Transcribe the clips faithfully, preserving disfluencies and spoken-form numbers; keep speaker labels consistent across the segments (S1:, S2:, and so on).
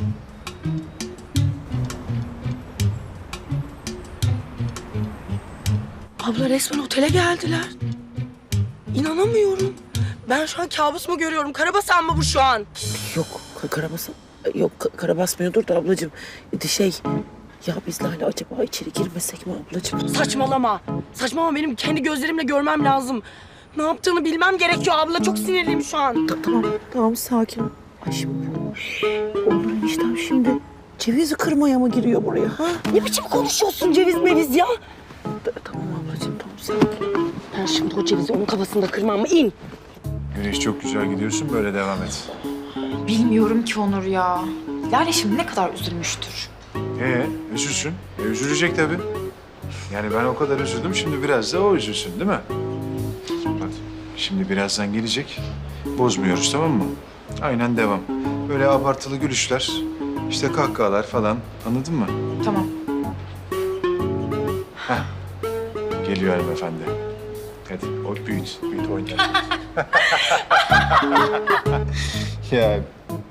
S1: Abla resmen otele geldiler. İnanamıyorum. Ben şu an kabus mu görüyorum? Karabasan mı bu şu an?
S2: Yok ka- karabasan. Yok ka- kara basmıyordur da ablacığım. E, Şey ya biz Lale acaba içeri girmesek mi ablacığım?
S1: Saçmalama. Saçmalama, benim kendi gözlerimle görmem lazım. Ne yaptığını bilmem gerekiyor abla. Çok sinirliyim şu an.
S2: Ta- tamam tamam sakin ol. Ay şimdi Onur eniştem şimdi cevizi kırmaya mı giriyor buraya ha?
S1: Ne biçim konuşuyorsun ceviz meviz ya?
S2: Ta- tamam ablacığım tamam sakin.
S1: Ben şimdi o cevizi onun kafasında kırmam mı? İn.
S3: Güneş çok güzel gidiyorsun, böyle devam et.
S4: Bilmiyorum ki Onur ya. Lale şimdi ne kadar üzülmüştür.
S3: Ee, üzülsün. E, üzülecek tabii. Yani ben o kadar üzüldüm, şimdi biraz da o üzülsün değil mi? Bak, şimdi birazdan gelecek. Bozmuyoruz, tamam mı? Aynen devam. Böyle abartılı gülüşler, işte kahkahalar falan. Anladın mı?
S4: Tamam.
S3: Geliyor hanımefendi. Hadi, o büyüt, büyüt oyna. Ya.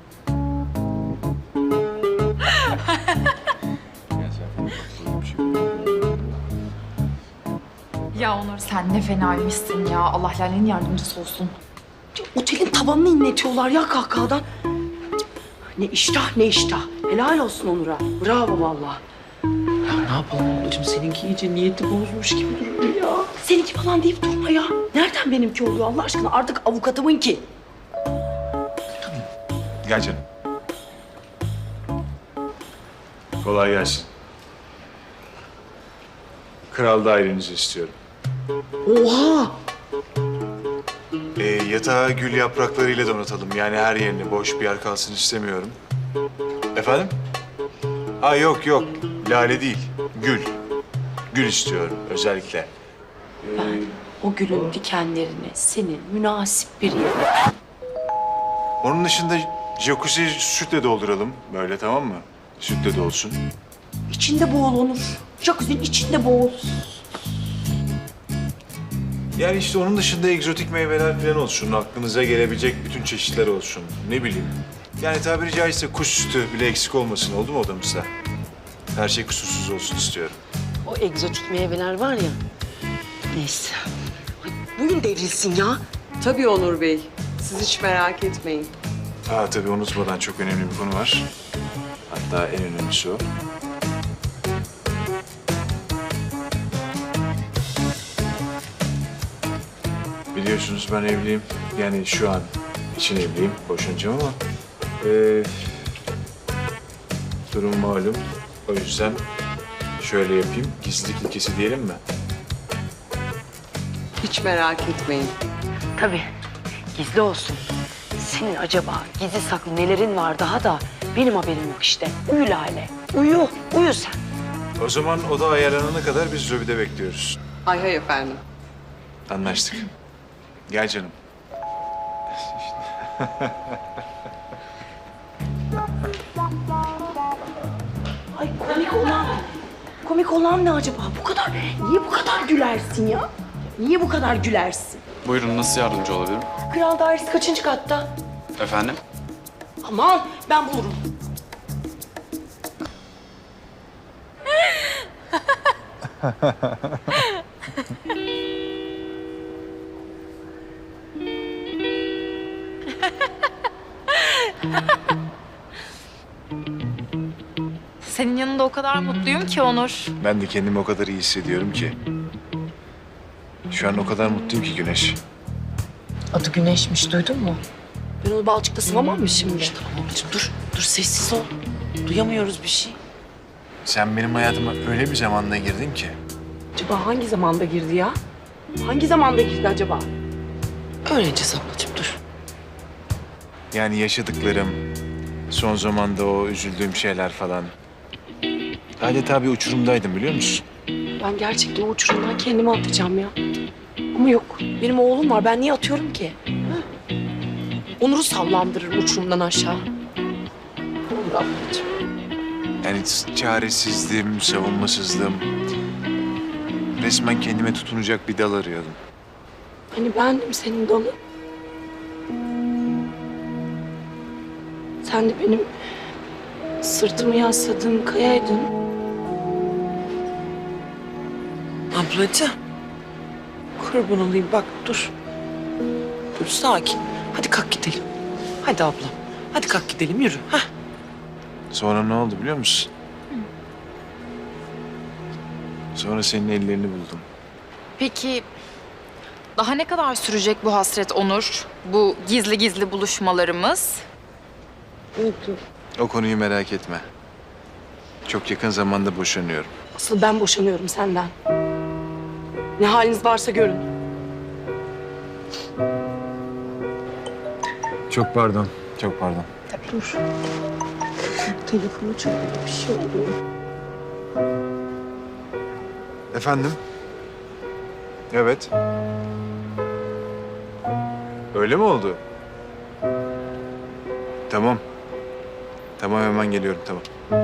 S4: Ya Onur sen ne fenaymışsın ya. Allah Lale'nin yardımcısı olsun.
S1: Otelin tavanını inletiyorlar ya kahkahadan. Ne iştah ne iştah. Helal olsun Onur'a. Bravo vallahi.
S2: Ne yapalım ablacığım seninki iyice niyeti bozmuş gibi duruyor ya.
S1: Seninki falan deyip durma ya. Nereden benimki oluyor Allah aşkına? Artık avukatımın ki.
S3: Gel canım. Kolay gelsin. Kral dairenizi istiyorum.
S1: Oha!
S3: Ee, yatağı gül yapraklarıyla donatalım. Yani her yerini, boş bir yer kalsın istemiyorum. Efendim? Aa yok yok, lale değil, gül. Gül istiyorum özellikle. Ee,
S1: O gülün dikenlerini senin münasip bir yere.
S3: onun dışında jacuzzi sütle dolduralım böyle, tamam mı? Sütle dolsun.
S1: İçinde boğul Onur. Jacuzzi'nin içinde boğul.
S3: Yani işte onun dışında egzotik meyveler falan olsun. Aklınıza gelebilecek bütün çeşitler olsun. Ne bileyim. Yani tabiri caizse kuş sütü bile eksik olmasın, oldu mu odamızda? Her şey kusursuz olsun istiyorum.
S1: O egzotik meyveler var ya. Neyse. Ay, bugün devrilsin ya.
S5: Tabii Onur Bey. Siz hiç merak etmeyin.
S3: Ha tabii unutmadan çok önemli bir konu var. Hatta en önemlisi o. Biliyorsunuz ben evliyim. Yani şu an için evliyim. Boşanacağım ama... eee, durum malum. O yüzden şöyle yapayım. Gizlilik ilkesi diyelim mi?
S5: Hiç merak etmeyin.
S1: Tabii. Gizli olsun. Senin acaba gizli saklı nelerin var daha da benim haberim yok işte. Uyu Lale. Uyu. Uyu sen.
S3: O zaman oda ayarlanana kadar biz lobide bekliyoruz.
S5: Hay hay efendim.
S3: Anlaştık. Gel canım.
S1: Ay komik olan, komik olan ne acaba? Bu kadar, niye bu kadar gülersin ya? Niye bu kadar gülersin?
S6: Buyurun, nasıl yardımcı olabilirim?
S1: Kral dairesi kaçıncı katta?
S6: Efendim?
S1: Aman ben bulurum.
S4: Senin yanında o kadar mutluyum ki Onur.
S3: Ben de kendimi o kadar iyi hissediyorum ki. Şu an o kadar mutluyum ki Güneş.
S1: Adı Güneş'miş, duydun mu? Ben onu balçıkta sıvamam mı şimdi? Tamam ablacığım dur, dur sessiz ol. Duyamıyoruz bir şey.
S3: Sen benim hayatıma öyle bir zamanda girdin ki.
S1: Acaba hangi zamanda girdi ya? Hangi zamanda girdi acaba? Öğreneceğiz ablacığım, dur.
S3: Yani yaşadıklarım, son zamanda o üzüldüğüm şeyler falan. Adeta bir uçurumdaydım, biliyor musun?
S1: Ben gerçekten o uçurumdan kendimi atacağım ya. Ama yok, benim oğlum var. Ben niye atıyorum ki? Ha? Onur'u sallandırırım uçurumdan aşağı. Olur ablacığım.
S3: Yani çaresizdim, savunmasızdım. Resmen kendime tutunacak bir dal arıyordum.
S1: Hani bendim senin dalın. Sen de benim sırtımı yasladığım kayaydın.
S2: Ablacığım. Kurban olayım bak dur. Dur sakin. Hadi kalk gidelim. Hadi ablam. Hadi kalk gidelim yürü. Hah.
S3: Sonra ne oldu biliyor musun? Sonra senin ellerini buldum.
S4: Peki daha ne kadar sürecek bu hasret Onur? Bu gizli gizli buluşmalarımız?
S3: O konuyu merak etme. Çok yakın zamanda boşanıyorum.
S1: Asıl ben boşanıyorum senden. Ne haliniz varsa görün.
S3: Çok pardon. Çok pardon.
S2: Dur. Telefonu çalıyor bir şey oluyor.
S3: Efendim? Evet. Öyle mi oldu? Tamam. Tamam hemen geliyorum tamam.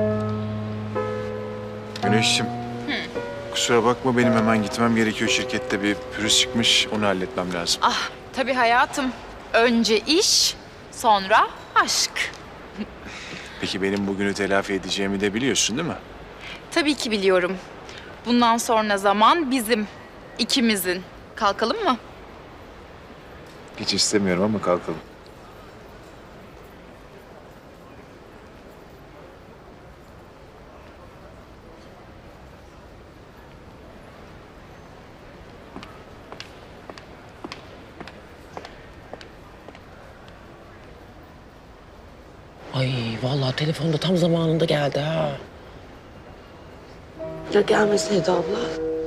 S3: Güneşciğim. Kusura bakma benim hemen gitmem gerekiyor. Şirkette bir pürüz çıkmış. Onu halletmem lazım.
S4: Ah tabii hayatım. Önce iş, sonra aşk.
S3: Peki benim bugünü telafi edeceğimi de biliyorsun değil mi?
S4: Tabii ki biliyorum. Bundan sonra zaman bizim, ikimizin. Kalkalım mı?
S3: Hiç istemiyorum ama kalkalım.
S2: Ay vallahi telefonda tam zamanında geldi ha.
S1: Ya gelmeseydi abla.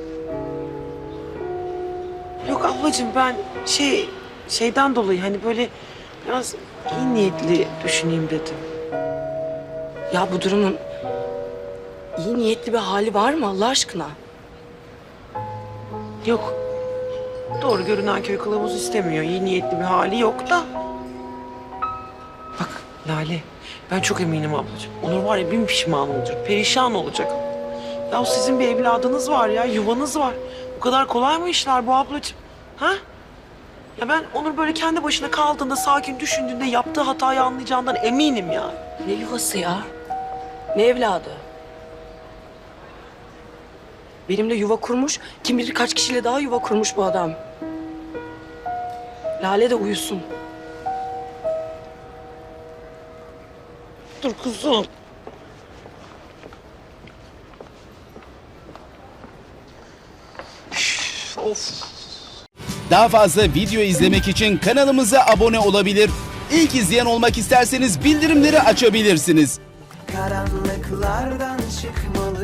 S2: Yok ablacığım ben şey şeyden dolayı hani böyle biraz iyi niyetli düşüneyim dedim.
S1: Ya bu durumun iyi niyetli bir hali var mı Allah aşkına?
S2: Yok. Doğru görünen köy kılavuz istemiyor. İyi niyetli bir hali yok da. Bak Lale, ben çok eminim ablacığım. Onur var ya bin pişman olacak, perişan olacak. Ya sizin bir evladınız var ya, yuvanız var. Bu kadar kolay mı işler bu ablacığım? Ha? Ya ben Onur böyle kendi başına kaldığında, sakin düşündüğünde yaptığı hatayı anlayacağından eminim ya.
S1: Ne yuvası ya? Ne evladı? Benimle yuva kurmuş, kim bilir kaç kişiyle daha yuva kurmuş bu adam. Lale de uyusun.
S2: Dur kuzum.
S7: Daha fazla video izlemek için kanalımıza abone olabilir. İlk izleyen olmak isterseniz bildirimleri açabilirsiniz.
S8: Karanlıklardan çıkmalı